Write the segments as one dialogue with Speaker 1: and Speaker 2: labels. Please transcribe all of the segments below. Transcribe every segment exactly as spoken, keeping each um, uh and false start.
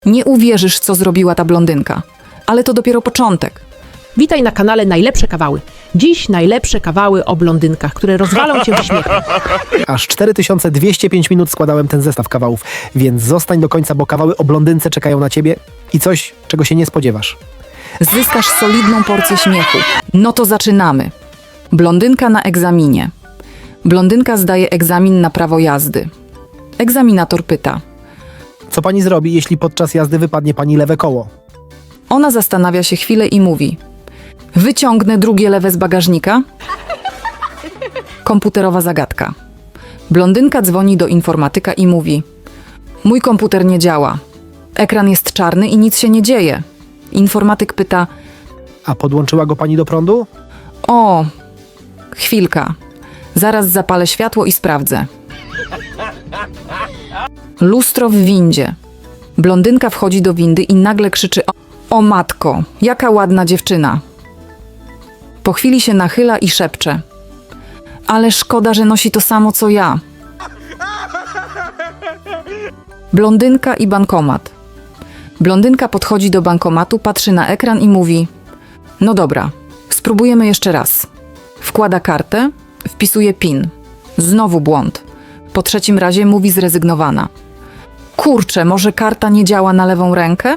Speaker 1: Nie uwierzysz, co zrobiła ta blondynka. Ale to dopiero początek.
Speaker 2: Witaj na kanale Najlepsze Kawały. Dziś najlepsze kawały o blondynkach, które rozwalą cię ze śmiechem.
Speaker 3: Aż cztery tysiące dwieście pięć minut składałem ten zestaw kawałów, więc zostań do końca, bo kawały o blondynce czekają na ciebie i coś, czego się nie spodziewasz.
Speaker 1: Zyskasz solidną porcję śmiechu. No to zaczynamy. Blondynka na egzaminie. Blondynka zdaje egzamin na prawo jazdy. Egzaminator pyta.
Speaker 3: Co pani zrobi, jeśli podczas jazdy wypadnie pani lewe koło?
Speaker 1: Ona zastanawia się chwilę i mówi: wyciągnę drugie lewe z bagażnika? Komputerowa zagadka. Blondynka dzwoni do informatyka i mówi: mój komputer nie działa. Ekran jest czarny i nic się nie dzieje. Informatyk pyta:
Speaker 3: A podłączyła go pani do prądu?
Speaker 1: o, chwilka. Zaraz zapalę światło i sprawdzę. Lustro w windzie. Blondynka wchodzi do windy i nagle krzyczy: o, o matko, jaka ładna dziewczyna. Po chwili się nachyla i szepcze: ale szkoda, że nosi to samo co ja. Blondynka i bankomat. Blondynka podchodzi do bankomatu, patrzy na ekran i mówi: no dobra, spróbujemy jeszcze raz. Wkłada kartę, wpisuje PIN. Znowu błąd. Po trzecim razie mówi zrezygnowana: kurczę, może karta nie działa na lewą rękę?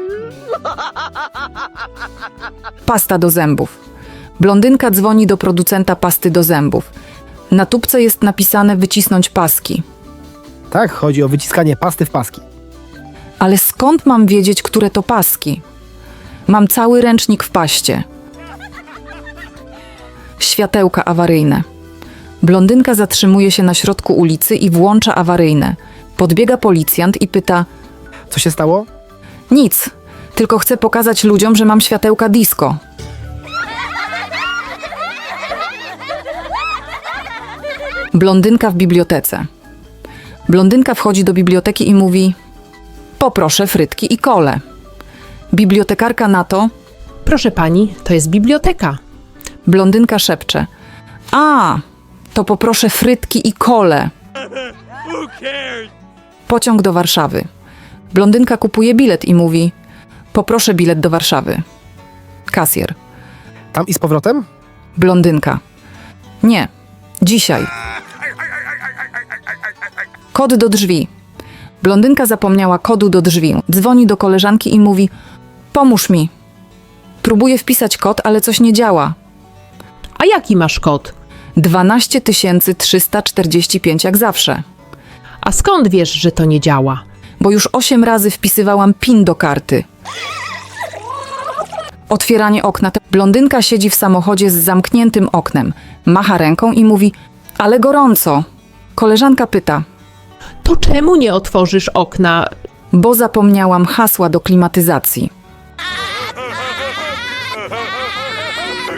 Speaker 1: Pasta do zębów. Blondynka dzwoni do producenta pasty do zębów. Na tubce jest napisane wycisnąć paski.
Speaker 3: Tak, chodzi o wyciskanie pasty w paski.
Speaker 1: Ale skąd mam wiedzieć, które to paski? Mam cały ręcznik w paście. Światełka awaryjne. Blondynka zatrzymuje się na środku ulicy i włącza awaryjne. Podbiega policjant i pyta:
Speaker 3: Co się stało?
Speaker 1: nic, tylko chcę pokazać ludziom, że mam światełka disco. Blondynka w bibliotece. Blondynka wchodzi do biblioteki i mówi: poproszę frytki i kolę. Bibliotekarka na to:
Speaker 2: Proszę pani, to jest biblioteka.
Speaker 1: blondynka szepcze: a, to poproszę frytki i kolę. Pociąg do Warszawy. Blondynka kupuje bilet i mówi: poproszę bilet do Warszawy. Kasjer.
Speaker 3: Tam i z powrotem?
Speaker 1: Blondynka: nie, dzisiaj. Kod do drzwi. Blondynka zapomniała kodu do drzwi. Dzwoni do koleżanki i mówi: pomóż mi. Próbuje wpisać kod, ale coś nie działa.
Speaker 2: A jaki masz kod?
Speaker 1: dwanaście tysięcy trzysta czterdzieści pięć jak zawsze.
Speaker 2: A skąd wiesz, że to nie działa?
Speaker 1: Bo już osiem razy wpisywałam PIN do karty. Otwieranie okna. Blondynka siedzi w samochodzie z zamkniętym oknem. Macha ręką i mówi: ale gorąco. Koleżanka pyta:
Speaker 2: To czemu nie otworzysz okna?
Speaker 1: bo zapomniałam hasła do klimatyzacji.